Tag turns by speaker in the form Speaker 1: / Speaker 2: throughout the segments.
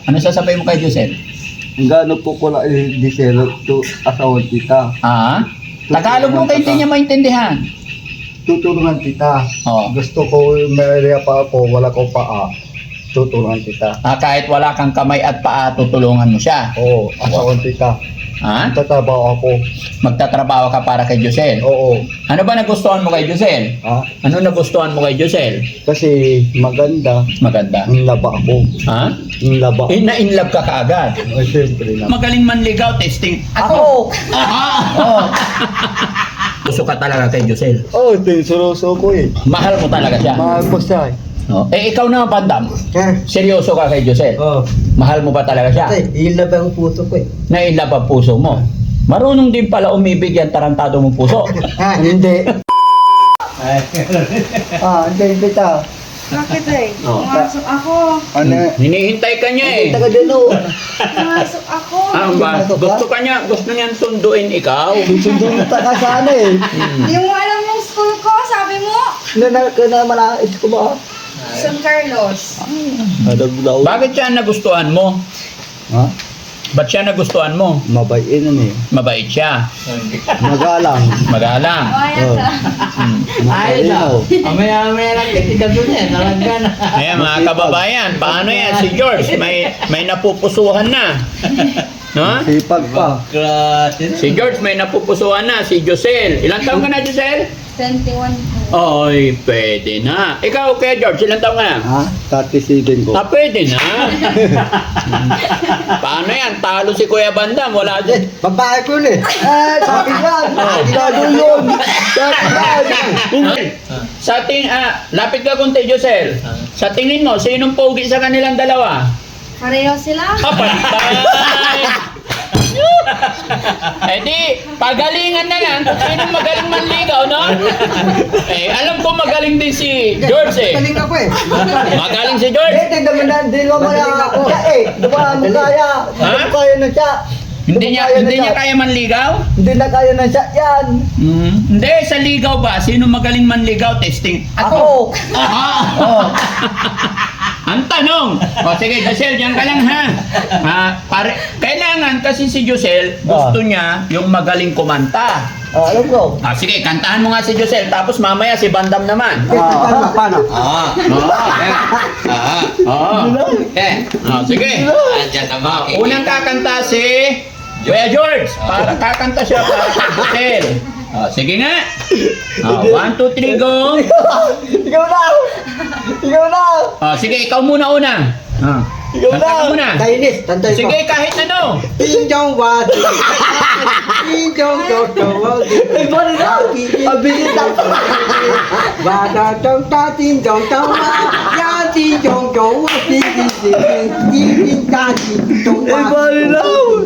Speaker 1: Ano sasabihin mo kay Josel?
Speaker 2: Gano po ko lang diselo to asawa kita.
Speaker 1: Ah? Tagalog mo kayo hindi niya maintindihan.
Speaker 2: Tutulungan kita.
Speaker 1: Oo.
Speaker 2: Gusto ko may area pa ako, wala ko paa. Tutulungan kita.
Speaker 1: Kahit wala kang kamay at paa, tutulungan mo siya.
Speaker 2: Oo, asawa kita.
Speaker 1: Ha?
Speaker 2: Tatabaw ako.
Speaker 1: Magtatrabaho ka para kay Josel.
Speaker 2: Oo.
Speaker 1: Ano ba nagustuhan mo kay Josel?
Speaker 2: Ha?
Speaker 1: Ano nagustuhan mo kay Josel?
Speaker 2: Kasi maganda.
Speaker 1: Maganda.
Speaker 2: Ang laba ako.
Speaker 1: Ha?
Speaker 2: Ang laba.
Speaker 1: Na-in love ka kaagad.
Speaker 2: Ay, siyempre na.
Speaker 1: Magaling manligaw, testing.
Speaker 2: Ako!
Speaker 1: Oo. Gusto ka talaga kay Josel.
Speaker 2: Oo, tinsuroso ko eh.
Speaker 1: Mahal mo talaga siya.
Speaker 2: Mahal ko siya eh.
Speaker 1: Oh. Ikaw naman, Bandam.
Speaker 2: Sir.
Speaker 1: Seryoso ka kay Josel.
Speaker 2: Oo.
Speaker 1: Mahal mo ba talaga siya?
Speaker 2: Yun na ba ang puso ko eh?
Speaker 1: Na-in love ang puso mo. Marunong din pala umibig yan tarantado mong puso.
Speaker 2: Hindi. Hindi ta.
Speaker 3: Bakit eh?
Speaker 1: Oh.
Speaker 3: Pumasok ako.
Speaker 2: Ano?
Speaker 1: Hinihintay ka niya eh.
Speaker 2: Taga din o.
Speaker 3: Pumasok ako.
Speaker 1: Ba? Gusto niyan sunduin ikaw.
Speaker 2: Sundun ta ka sana eh.
Speaker 3: Yung alam mong school ko, sabi mo,
Speaker 2: Na malais ko ba?
Speaker 3: San Carlos.
Speaker 2: Daw.
Speaker 1: Bakit siya nagustuhan mo?
Speaker 2: Ha?
Speaker 1: Ba't siya nagustuhan mo?
Speaker 2: Mabait na eh.
Speaker 1: Mabait siya.
Speaker 2: Magalang.
Speaker 1: Magalang.
Speaker 3: Ayan ka.
Speaker 2: Matalino.
Speaker 4: Amaya lang kasi gabi na, talaga na.
Speaker 1: Ayan mga kababayan, paano yan? Si George, may napupusuhan na. No?
Speaker 2: Sipag pa.
Speaker 1: Si George may napupusuhan na. Si Josel. Ilang taon ka na, Josel?
Speaker 3: 21 po.
Speaker 1: Oy, pwede na. Ikaw, kaya George, ilang taon ka na?
Speaker 2: Ha? 37 ko.
Speaker 1: Pwede na. Paano yan? Talo si Kuya Bandam. Wala dyan.
Speaker 2: Babae ko yun eh. Sabi yan. Gado yun. Sabi yan.
Speaker 1: Lapit ka kunti, Josel. Sa tingin mo, sinong pogi sa kanilang dalawa?
Speaker 3: Pareho sila.
Speaker 1: Pantay! Di, pagalingan na lang kung sinong magaling manligaw, no? Alam ko magaling din si George eh.
Speaker 2: Galing ako eh.
Speaker 1: Magaling si George.
Speaker 2: Hindi naman na, hindi naman na ako. Diba mo kaya? Hindi mo kaya na siya.
Speaker 1: Hindi niya kaya manligaw?
Speaker 2: Hindi na kaya na siya yan.
Speaker 1: Hindi, sa ligaw ba? Sino magaling manligaw? Testing.
Speaker 2: Ako.
Speaker 1: Ang tanong. Sige, Josel, diyan ka lang ha. Kailangan kasi si Josel, gusto niya yung magaling kumanta.
Speaker 2: Alam ko.
Speaker 1: Sige, kantahan mo nga si Josel, tapos mamaya si Bandam naman.
Speaker 2: Paano?
Speaker 1: Sige. Unang kakanta si Kuya George. Kakanta siya para kay Josel. Sige nga. 1, 2, 3, go.
Speaker 2: Ikaw na. Ikaw na.
Speaker 1: Sige, ikaw muna una.
Speaker 2: Ikaw na.
Speaker 1: Kanta ka muna.
Speaker 2: Kainis. Tantay ko.
Speaker 1: Sige, kahit ano.
Speaker 2: Tinjong wati. Tinjong toto. Ibon na. Abilis na. Bada tong ta tinjong tong ma. Ya tinjong tong wa tinjong ta tinjong wa. Ibon na.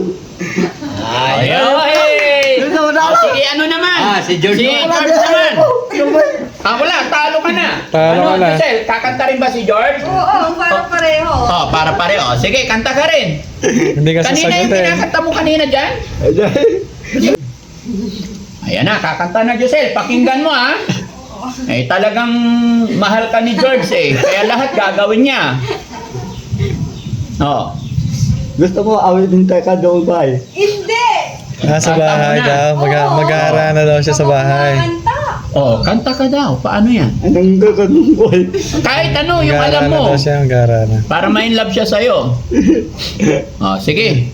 Speaker 2: Sige, ano naman?
Speaker 4: Si George
Speaker 1: naman. Wala, talo ka na.
Speaker 4: Talo ka na.
Speaker 1: Josel, kakanta rin ba si George?
Speaker 3: Oo, parang pareho.
Speaker 1: Para pareho. Sige, kanta ka rin.
Speaker 4: Hindi ka
Speaker 1: Kanina yung
Speaker 4: sasagutin.
Speaker 1: kinakanta mo kanina dyan? Ayan na, kakanta na Josel. Pakinggan mo ha. Talagang mahal ka ni George eh. Kaya lahat gagawin niya.
Speaker 2: Gusto mo awitin tayo ka doon ba eh?
Speaker 3: Hindi!
Speaker 4: Nasa bahay daw. Mag-aara na daw siya sa bahay.
Speaker 3: Kanta.
Speaker 1: Kanta ka daw. Paano yan?
Speaker 2: Anong gagawin ko eh?
Speaker 1: Kahit ano, yung
Speaker 4: Mag-aara
Speaker 1: alam
Speaker 4: na
Speaker 1: mo.
Speaker 4: daw siya. Mag-aara na.
Speaker 1: Para ma-in love siya sa'yo. Sige.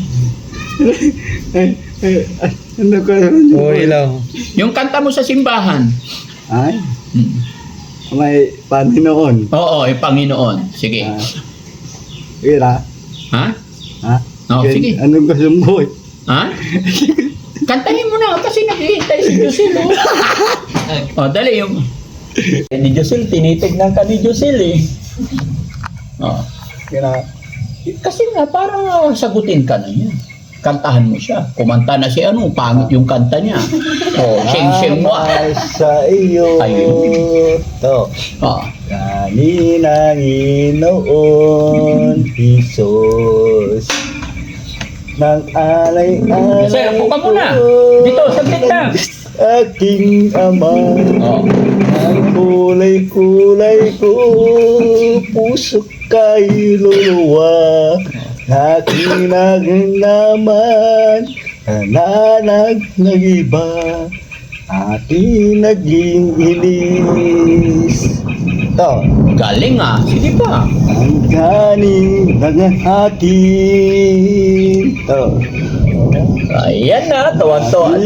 Speaker 2: Ano ka naman yun?
Speaker 4: Oo, ilaw.
Speaker 1: Yung kanta mo sa simbahan.
Speaker 2: Ay, may Panginoon.
Speaker 1: Oo, yung Panginoon. Sige.
Speaker 2: Ira.
Speaker 1: Ha?
Speaker 2: Ha?
Speaker 1: Sige.
Speaker 2: Anong gusto mo eh?
Speaker 1: Ha? Kantahin mo na kasi naghihintay si Josel. Dali yung... Ni Josel, tinitignan ka ni Josel eh.
Speaker 2: Ira.
Speaker 1: Kasi nga, parang sagutin ka na yan. Kantahan mo siya. Kumanta na si pangit yung kanta niya. Sing-sing mo.
Speaker 2: Sa iyo.
Speaker 1: Ayun.
Speaker 2: To. Kanina Ginoon, Jesus. Nang alay-alay.
Speaker 1: Josel, upo ka muna. Dito, saglit lang.
Speaker 2: Aking ama. Ang kulay-kulay ko. Puso kay luluwa. aking naman nananag ng iba, aking naging inis. Ito,
Speaker 1: Galing ah. Sige pa.
Speaker 2: ang galing ng atin. Ito,
Speaker 1: Ayan na. Tuwan-tuwan.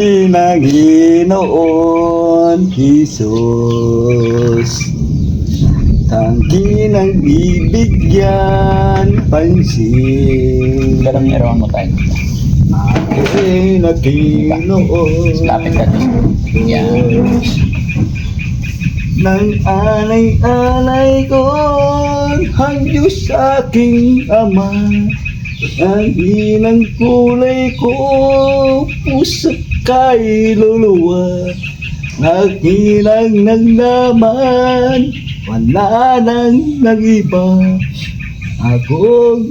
Speaker 2: Panginoon Jesus, tangki ng bibigyan pansin.
Speaker 1: Garang nirawan mo tayo.
Speaker 2: Aking Panginoon
Speaker 1: Lapit ka dito. Yan.
Speaker 2: nang alay-alay ko ang Diyos aking Ama, ang hinang kulay ko puso kay luluwa, nakilang naglaman wala nang nag-iba, akong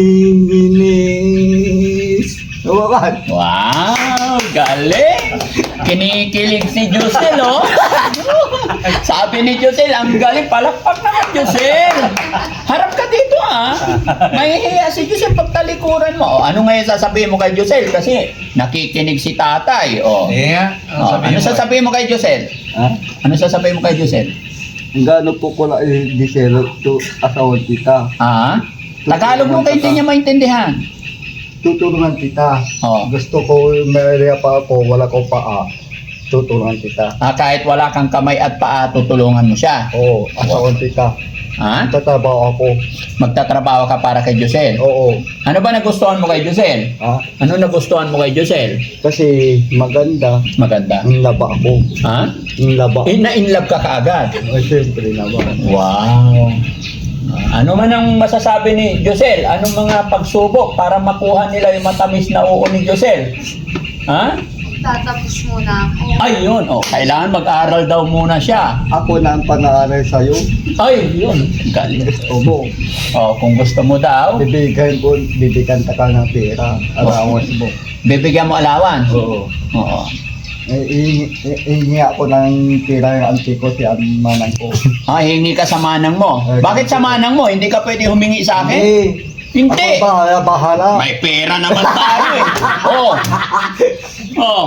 Speaker 2: iniinis. Tawakan.
Speaker 1: Wow! Galing! Kinikilig si Josel, oh! Sabi ni Josel, ang galing. Palakpak naman, Josel! Harap ka dito, ah! Mahihiya si Josel pag talikuran mo. Oh, ano ngayon sasabihin mo kay Josel? Kasi nakikinig si tatay, oh.
Speaker 4: Yeah.
Speaker 1: Oh, ano sasabihin mo kay Josel?
Speaker 2: Ha?
Speaker 1: Ano sasabihin mo kay Josel?
Speaker 2: Ang gano'n po ko lang diselo to asawad kita.
Speaker 1: Ah? Tagalog mo kayo hindi niya maintindihan.
Speaker 2: Tutulungan kita.
Speaker 1: Oh.
Speaker 2: Gusto ko, may pa ako, wala ko paa. Tutulungan kita.
Speaker 1: Ah, kahit wala kang kamay at paa, tutulungan mo siya.
Speaker 2: Oo, asawad kita.
Speaker 1: Ha?
Speaker 2: Tatabaw ako.
Speaker 1: Magtatrabaho ka para kay Josel.
Speaker 2: Oo.
Speaker 1: Ano ba nagustuhan mo kay Josel?
Speaker 2: Ha?
Speaker 1: Ano nagustuhan mo kay Josel?
Speaker 2: Kasi maganda.
Speaker 1: Maganda.
Speaker 2: Ang laba ako.
Speaker 1: Ha?
Speaker 2: Ang laba.
Speaker 1: Na-inlove ka kaagad.
Speaker 2: Ay, siyempre naman.
Speaker 1: Wow. Ano man ang masasabi ni Josel? Anong mga pagsubok para makuha nila yung matamis na oo ni Josel? Ha?
Speaker 3: Tatapos muna ako.
Speaker 1: Ayun. Oh, kailangan mag-aral daw muna siya.
Speaker 2: Ako na ang pag-aaral sa'yo.
Speaker 1: Ay, yun. Galing.
Speaker 2: Gusto mo.
Speaker 1: Oh, kung gusto mo daw,
Speaker 2: Bibigyan ka ng pera. Arawas mo.
Speaker 1: bibigyan mo alawan.
Speaker 2: Oo.
Speaker 1: Oo.
Speaker 2: Ihingi ako ng pera ng auntie ko, si manang ko.
Speaker 1: Ah, hingi ka sa manang mo. Bakit sa manang mo? Hindi ka pwede humingi sa akin? Hindi.
Speaker 2: Ako bahala.
Speaker 1: May pera naman tayo eh. Oh. Oh.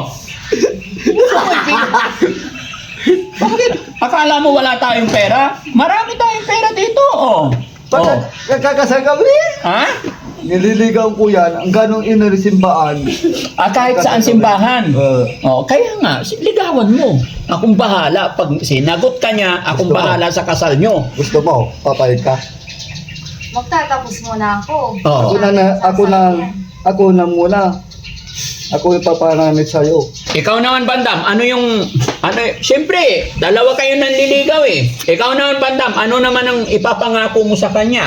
Speaker 1: Bakit? Akala mo wala tayong pera? Marami tayong pera dito. Oh. Oh.
Speaker 2: Kakasal kami?
Speaker 1: Ha?
Speaker 2: Nililigaw ko yan. Ang ganong inarisimbahan.
Speaker 1: Ah, kahit saan simbahan. Oh, kaya nga, ligawan mo. Akong bahala. Pag sinagot ka niya, akong
Speaker 2: Gusto mo?
Speaker 1: bahala sa kasal nyo.
Speaker 2: Gusto mo? Papayag ka?
Speaker 3: Magtatapos muna ako.
Speaker 1: Oh.
Speaker 2: Ako na muna. Ako yung paparamit sa'yo.
Speaker 1: Ikaw naman, Bandam, siyempre, dalawa kayo nanliligaw eh. Ikaw naman, Bandam, ano naman ang ipapangako mo sa kanya?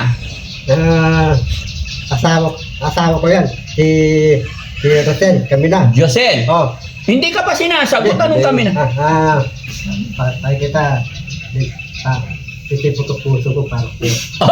Speaker 2: Asawa ko yan. Si Rosel, kami na.
Speaker 1: Josel,
Speaker 2: Oh.
Speaker 1: hindi ka pa sinasagot, anong kami na?
Speaker 2: Patay kita. Titipo ko puso ko para ko.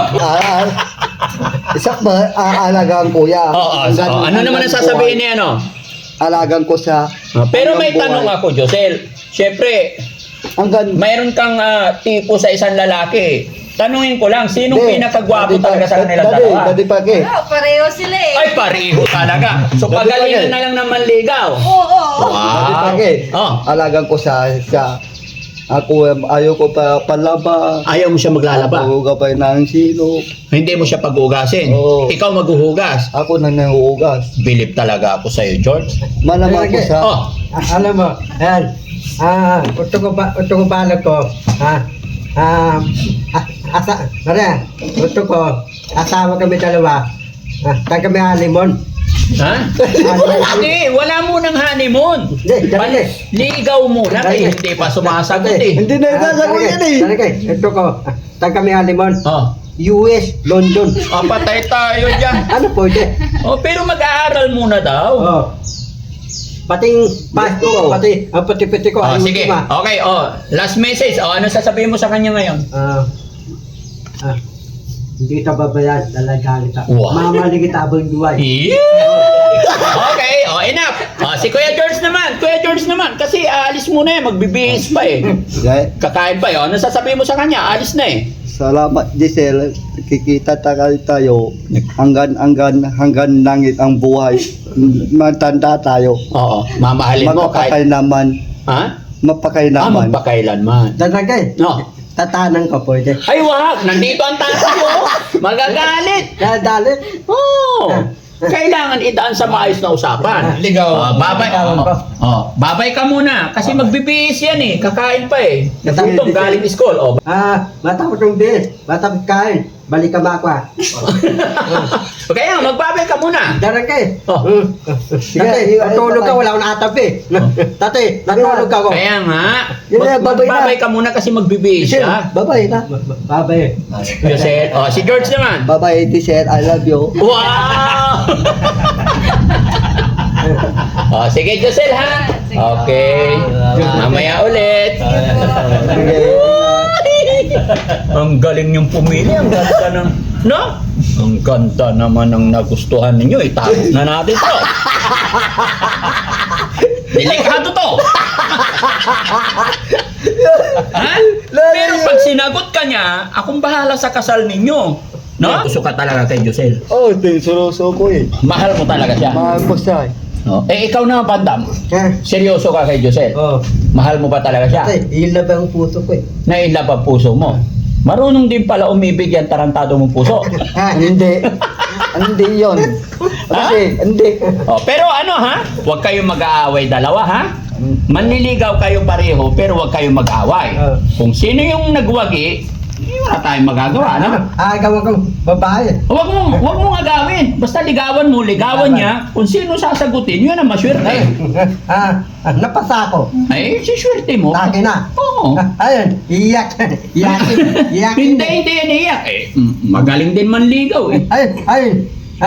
Speaker 2: Isak ba, aalagaan ko yan.
Speaker 1: Ano naman ang sasabihin niya, ano?
Speaker 2: Alagaan ko sa...
Speaker 1: Pero may tanong ako, Josel. Siyempre,
Speaker 2: Hanggang...
Speaker 1: mayroon kang tipo sa isang lalaki. Tanungin ko lang, sinong pinakagwapo talaga sa kanila dalawa?
Speaker 2: Dati pa ke.
Speaker 3: Oh, pareho sila eh.
Speaker 1: Ay, pareho talaga. So,
Speaker 2: Dati
Speaker 1: pagalingan
Speaker 2: pa,
Speaker 1: na lang ng manligaw.
Speaker 3: Oo.
Speaker 2: Dati pa
Speaker 1: Wow.
Speaker 2: ke.
Speaker 1: Oh.
Speaker 2: Alagaan ko sa... Ako, ayaw ko pa palaba.
Speaker 1: Ayaw mo siya maglalaba.
Speaker 2: Ako gabay ng sino.
Speaker 1: Hindi mo siya pag-ugasin.
Speaker 2: Oo.
Speaker 1: Ikaw maghuhugas.
Speaker 2: Ako na nanguhugas.
Speaker 1: Bilib talaga ako sa'yo, George.
Speaker 2: Malamang ko sa...
Speaker 1: Oh,
Speaker 5: Alam mo, yan. Uto ko balag ko. Asawa kami dalawa. Kaya kami halimon.
Speaker 1: ha? Hindi, wala munang honeymoon.
Speaker 5: Hindi, dali.
Speaker 1: Ligaw muna kasi hindi pa sumasagot eh.
Speaker 2: Hindi na sasagot yan eh.
Speaker 5: Ito ko. Kaya kami halimon.
Speaker 1: Oh,
Speaker 5: US, London.
Speaker 1: patay tayo dyan.
Speaker 5: Ano po ite?
Speaker 1: Oh, pero mag-aaral muna daw.
Speaker 5: Oh. Pating pasto, pati ang pati-pati ko.
Speaker 1: Oh,
Speaker 5: ayun
Speaker 1: sige.
Speaker 5: ma.
Speaker 1: Okay, last message. Ano sasabihin mo sa kanya ngayon?
Speaker 5: Hindi kita babayan, dalagaan kita.
Speaker 1: Wow.
Speaker 5: Mamali kita abang duway.
Speaker 1: Okay, enough. Si Kuya George naman. Kasi aalis muna eh, magbibihis pa eh. Kakain pa eh. Ano sasabihin mo sa kanya? Alis na eh.
Speaker 2: Salamat Giselle. Kikita tayo hanggang langit ang buhay. Matanda tayo.
Speaker 1: Oo, mamahalin mo kahit...
Speaker 2: Mapakailaman.
Speaker 1: Ha?
Speaker 2: Mapakailaman.
Speaker 1: Magpakailanman.
Speaker 5: Tatagay.
Speaker 1: No.
Speaker 5: Tatanan ka pwede.
Speaker 1: Ay, wag! Nandito ang tatay mo! Magagalit!
Speaker 5: Dadalit.
Speaker 1: Oo! Kailangan idaan sa maayos na usapan.
Speaker 4: Ligaw.
Speaker 1: Babay ka muna. Kasi magbibihis yan eh. Kakain pa eh. Natutong galing school. Oh.
Speaker 5: Matapos yung bis. Matapos kain. Balik ka makwa.
Speaker 1: Kaya magbabay ka muna.
Speaker 5: Daragay.
Speaker 1: Oh.
Speaker 5: Tatay, natulog ka. Wala akong natapin. Tatay, natulog ka ko.
Speaker 1: Kaya nga,
Speaker 2: babay na.
Speaker 1: magbabay ka muna kasi magbibihis siya.
Speaker 2: Bye-bye na.
Speaker 5: Babay.
Speaker 1: Joseph, si George naman.
Speaker 2: Bye-bye Giselle. I love you.
Speaker 1: Wow! Sige, Josel ha? Okay. Mamaya ulit. Ang galing yung pumili. Ang ganda ng... No? Ang ganda naman ng nagustuhan ninyo. Itago na natin to. Delikado to. Ha? Pero pag sinagot ka niya, akong bahala sa kasal ninyo. No? Gusto ka talaga kay Josel.
Speaker 2: Oh, tinsuroso ko eh.
Speaker 1: Mahal mo talaga siya.
Speaker 2: Mahal ko siya.
Speaker 1: No? Ikaw na, Bandam. Seryoso ka kay Josel.
Speaker 5: Oh.
Speaker 1: Mahal mo ba talaga siya?
Speaker 5: Tatay, yun na ba ang puso ko eh?
Speaker 1: Nailap ang puso mo. Marunong din pala umibig yan tarantado mong puso.
Speaker 2: Hindi. Hindi yun. Kasi, hindi.
Speaker 1: Pero ano ha? Huwag kayong mag-aaway dalawa ha? Manliligaw kayo pareho pero huwag kayong mag-aaway. Kung sino yung nagwagi, wala tayong magagawa, no?
Speaker 5: Agaw kang babae.
Speaker 1: Huwag mong agawin. Basta ligawan mo, ligawan niya. Kung sino sasagutin, yun ang maswerte.
Speaker 5: Napasa ko.
Speaker 1: Ay, siswerte mo.
Speaker 5: Lagi na.
Speaker 1: Oo.
Speaker 5: Ayun, iyak. Iyak.
Speaker 1: Hindi yan iyak. Magaling din manligaw eh.
Speaker 5: Ayun.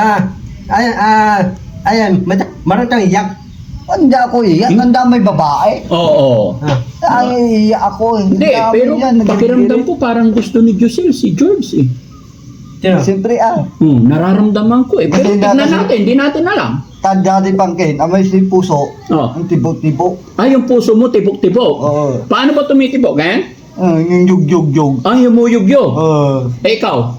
Speaker 5: Ayun. Marang kang iyak.
Speaker 2: Hindi ako iyak. Ang damay babae.
Speaker 1: Oo.
Speaker 2: Ay, iyak ako.
Speaker 1: Hindi, pero pakiramdam ko parang gusto ni Josel si George eh.
Speaker 2: Siyempre
Speaker 1: Nararamdaman ko eh. Pero
Speaker 2: Kasi
Speaker 1: tignan natin, hindi natin alam.
Speaker 2: Tanda din pangkin. Amay si puso. Ang tibok-tibok.
Speaker 1: Yung puso mo tibok-tibok.
Speaker 2: Oo.
Speaker 1: Paano ba tumitibok, ganyan?
Speaker 2: Yung yug-yug-yug.
Speaker 1: Humuyugyo. Ikaw?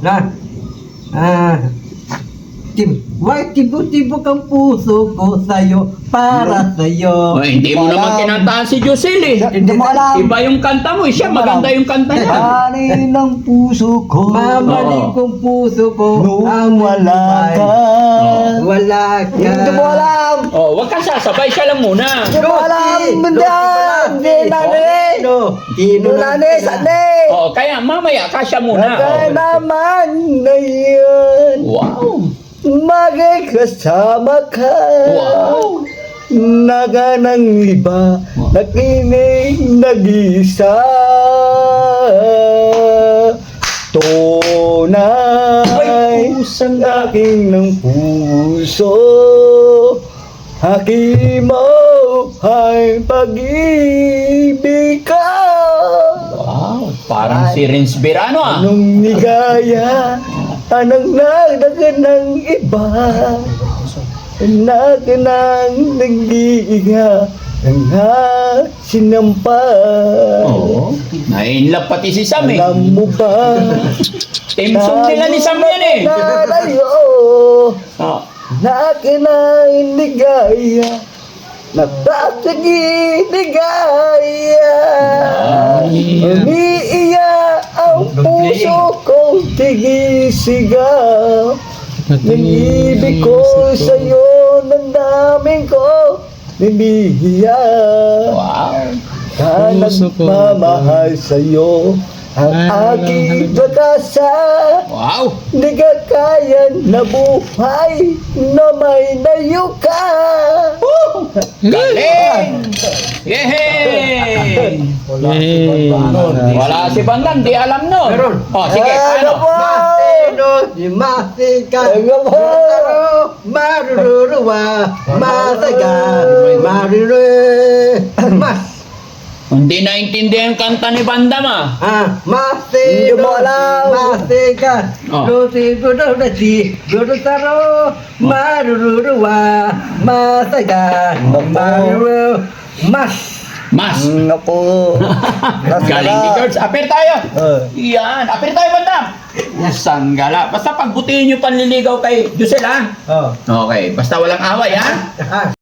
Speaker 5: Tibok-tibok ang puso ko sa'yo, para sa'yo.
Speaker 1: Hindi mo naman kinantahan si Josel eh.
Speaker 2: Hindi mo alam.
Speaker 1: Iba yung kanta mo eh. Siya maganda yung kanta niya.
Speaker 2: Ani ng puso ko.
Speaker 5: Mamaling kong puso ko.
Speaker 2: Nung wala ka.
Speaker 5: Wala ka.
Speaker 2: Hindi mo alam.
Speaker 1: Huwag kang sasabay. Siya lang muna.
Speaker 2: Hindi mo alam. Hindi nani.
Speaker 5: Tino
Speaker 2: Nani, sani.
Speaker 1: Kaya mamaya ka siya muna.
Speaker 2: Kaya naman na yun.
Speaker 1: Wow.
Speaker 2: Magkasama ka.
Speaker 1: Wow.
Speaker 2: Naga ng iba, nakinig nag-isa. Tunay,
Speaker 1: pusang
Speaker 2: aking ng puso. Haki mo ay pag-ibig ka.
Speaker 1: Wow. Parang si Rins Birano ah.
Speaker 2: Anong nigaya, anong nagdagan ng iba. Naganang nag-iinga ang sinampa.
Speaker 1: Oo. Nainlap pati si Sam eh.
Speaker 2: Alam mo ba?
Speaker 1: Team song nila ni Sam yan eh.
Speaker 2: Nalayo na kinainigaya, nagtasaginigaya. Umiiya ang puso kong tigisigaw. Nag-ibig ko sa'yo, nandamin ko, nilihiya.
Speaker 1: Wow.
Speaker 2: Ka nagmamahal sa'yo, ang aking pag-asa.
Speaker 1: Wow.
Speaker 2: Di ka kaya na buhay na may layo ka.
Speaker 1: Galing! Yehey! Wala si Bandam, di alam nun.
Speaker 5: Meron.
Speaker 1: Sige, ano?
Speaker 5: Masika, maruruwa, masaga, mas.
Speaker 1: Hindi naintindihan yung kanta ni Bandam ah.
Speaker 5: Hindi mo alam. Masika, lusi, budodasi, budosaro, maruruwa, masaga, maruruwa, mas.
Speaker 1: Mas.
Speaker 4: Naku.
Speaker 1: Galing ni George. Apir tayo.
Speaker 5: Ah.
Speaker 1: Yan. Apir tayo, bandam. Sanggala. Basta pagbutihin nyo panliligaw kay Josel, ha?
Speaker 5: Oh.
Speaker 1: Okay. Basta walang away, ha?
Speaker 5: Ah.